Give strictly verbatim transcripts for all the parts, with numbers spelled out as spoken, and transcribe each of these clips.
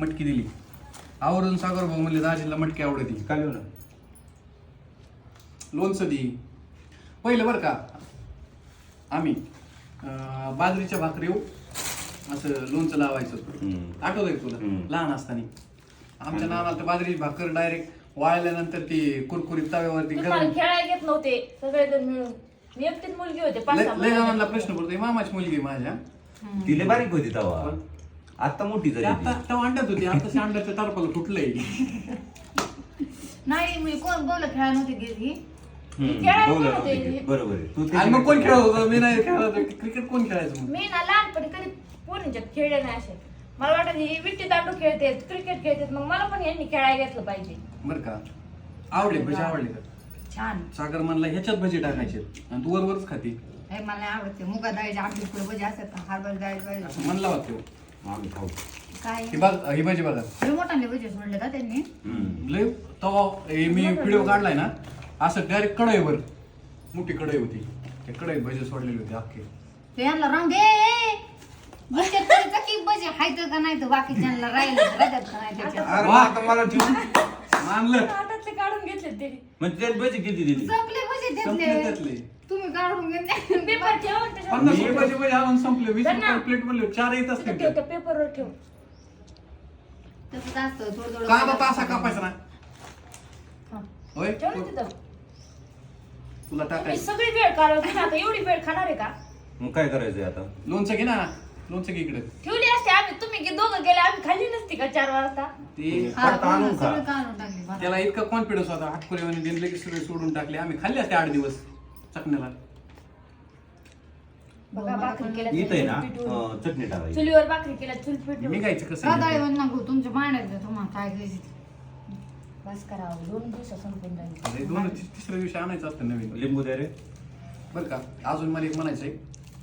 मटकी दिली. आवर्जून सागर भाऊ म्हणले दाजीला मटकी आवडती. काय लिहू ना लोणचं दे पहिलं बरं का. आम्ही बाजरीच्या भाकरीव असं लोणचं लावायचं. आठवतंय तुला लहान असताना आमच्या नानाला तर बाजरीची भाकर डायरेक्ट वाळल्यानंतर ती कुरकुरीत तव्यावरती गरम. खेळायला घेत नव्हते सगळेजण मिळून. मी एकटीच मुलगी होते. लय जणांना प्रश्न पडतो मामाची मुलगी माझ्या तिले बारीक होती तवा आता मोठी झाली. आता तेव्हा अंड्यात होती आता अंड्याचं टारपाला फुटलंय. नाही मी कोण बोल खेळा नव्हती गेली. बरोबर आहे तू आणि मग कोण खेळत होतं. मी नाही खेळत होतो. क्रिकेट कोण खेळायचं. मी ना लहानपणी कधी पोरींच्यात खेळले नाही असे. मला वाटत ही विट्टी दांडू खेळते क्रिकेट खेळतात मग मला पण यांनी खेळायला घेतलं पाहिजे. बरं का आवडले भजी आवडले का. छान. सागर म्हणला ह्याच्यात भजी टाकायचे आणि तू वरवरच खाती. हे मला नाही आवडते मुगा डाळीचे आमटी पुढे भजी असतात हरभरा डाळीचे असं म्हणला होता आम्ही खाऊ. काय ही बघ ही भाजी बघा लय मोठाले भजी सोडले का त्यांनी. लय तवा हे मी व्हिडिओ काढलाय ना असं डायरेक्ट कढईवर मोठी कढई होती त्या कढईत भजी सोडलेली होती अख्खे. ते यांना राहून दे भजी की भजी हायचं का नाही तर बाकीच्यांना राहिलं राहतात का नाही त्याच्यात. अरे आता मला ठेवून मानलं हातातले काढून घेतले ते म्हणजे त्यात भजी किती दिली. संपले भजी संपले घेतले त्यातले तुम्ही काढून घेतले. पेपर ठेव त्याच्यावर पन्नास रुपयाचे भजी आणून संपले. वीस रुपये प्लेट म्हणले चार येत असते. ठेव त्या पेपरवर ठेव. तसंच असतं थोडं थोडं कांदा तासा कापायचा ना हा. होय ठेव ना तिथं. तुला मी टाकायचं. सगळी वेळ काढत होते आता एवढी वेळ खाणार आहे का. मग काय करायचंय आता. लोणचं घे ना लोणचं घे इकडे. ठेवली असते आम्ही तुम्ही गे- दोघं गेले आम्ही खाल्ली नसती का चार वाजता. ते हा, फक्त आणून खा. सगळं काढून टाकले बरं. त्याला इतका कॉन्फिडन्स होता हाटपुरेवाने दिले की सगळे सोडून टाकले. आम्ही खाल्ले असते आठ दिवस चकण्याला. बघा भाकरी केल्या इथं आहे ना चुलीवर पिठून. अं, चटणी टाकायची. चुलीवर भाकरी केल्या चुल पिठून. मी गायचं कसं राधाळी वन नको तुमच्या भांड्यात तुम्हाला काय घ्यायची. बस करावं दोन दिवसात संपून जाईल. अरे दोन तिस- तिसऱ्या दिवशी आणायचं असतं नवीन. लिंबू दे रे. बरं का अजून मला एक म्हणायचंय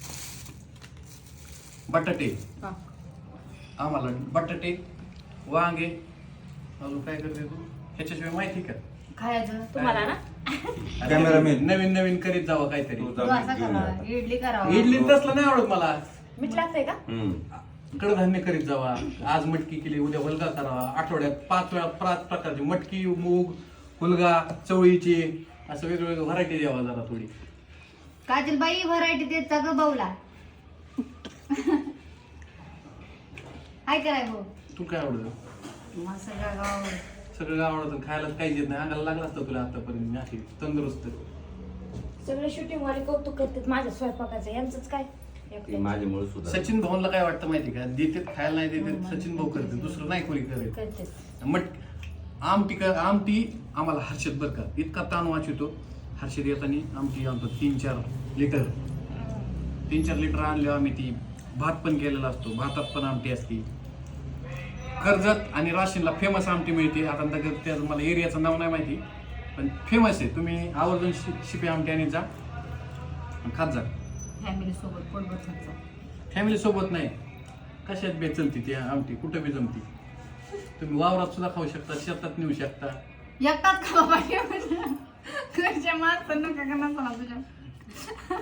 बटाटे हा. आम्हाला बटाटे वांगे अजून काय करते तू ह्याच्याशिवाय माहिती का. खायचं तुम्हाला ना कॅमेरामॅन. नवीन नवीन करीत जावं काहीतरी. तू तू जा, असं घेऊन करा ये. इडली करावं. इडली तसलं नाही आवडत मला. मीठ लागतंय का. हम्म. कडधान्य करीत जावा. आज मटकी केली उद्या हुलगा करावा. आठवड्यात पाच वेळा पाच प्रकारची मटकी मूग हुलगा चवळीची असं वेगवेगळं व्हरायटी द्यावा जरा थोडी. काजल बाई व्हरायटी देत का ग बाऊला. काय कराय भाऊ तू काय आवडतं. मग सगळं गाव सगळं आवडतं खायला काहीच येत नाही. अंगाला लागला असतं तुला आतापर्यंत मी अशी तंदुरुस्त. सगळे शूटिंग वाले कौतुक करतात माझ्या स्वयंपाकाचं यांचंच काय. ते माझ्यामुळे सुद्धा. सचिन भाऊला काय वाटतं माहिती का देतात खायला नाही देतात सचिन भाऊ करते दुसरं नाही कोणी करत. करतेच. मट आमटी का आमटी आम्हाला हर्षद बरं का इतका ताण वाचवतो. हर्षद येताना आमटी आणतो तीन चार लिटर तीन चार लिटर आणले आम्ही. ती भात पण केलेला असतो भातात पण आमटी असते. कर्जत आणि राशीनला फेमस आमटी मिळते. आता नगर त्याचं मला एरियाचं नाव नाही माहिती पण फेमस आहे. तुम्ही आवर्जून शि शिपी आमटी आणि जा आणि खात जा. फॅमिली सोबत पोटभर खायचं. फॅमिली सोबत नाही कशात बी चलती ती आमटी कुठं बी जमती. तुम्ही वावरात सुद्धा खाऊ शकता शेतात नेऊ शकता. एकटाच खावा पाहिजे घरच्या माणसं नका का नसला तुझ्या.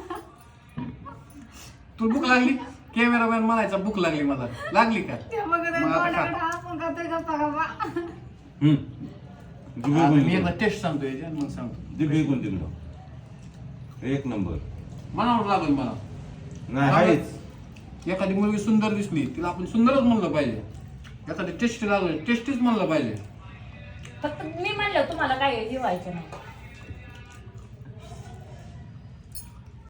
तुला भूक लागली कॅमेरामॅन म्हणायचा भूक लागली मला लागली का. ते बघत आहे, मग आता तोंडाकडे खा. आपण खातोय गप्पा गप्पा. हम्म. आता मी एकदा टेस्ट सांगतो याची आणि मग सांगतो. दिघू इकडून तिकडं एक नंबर. मनावर लागल मला. नाही आहेच. एखादी मुलगी सुंदर दिसली तिला आपण सुंदरच म्हणलं पाहिजे. एखादी टेस्टी लागली टेस्टीच म्हणलं पाहिजे. फक्त मी म्हणलं तुम्हाला काय हे व्हायचं नाही.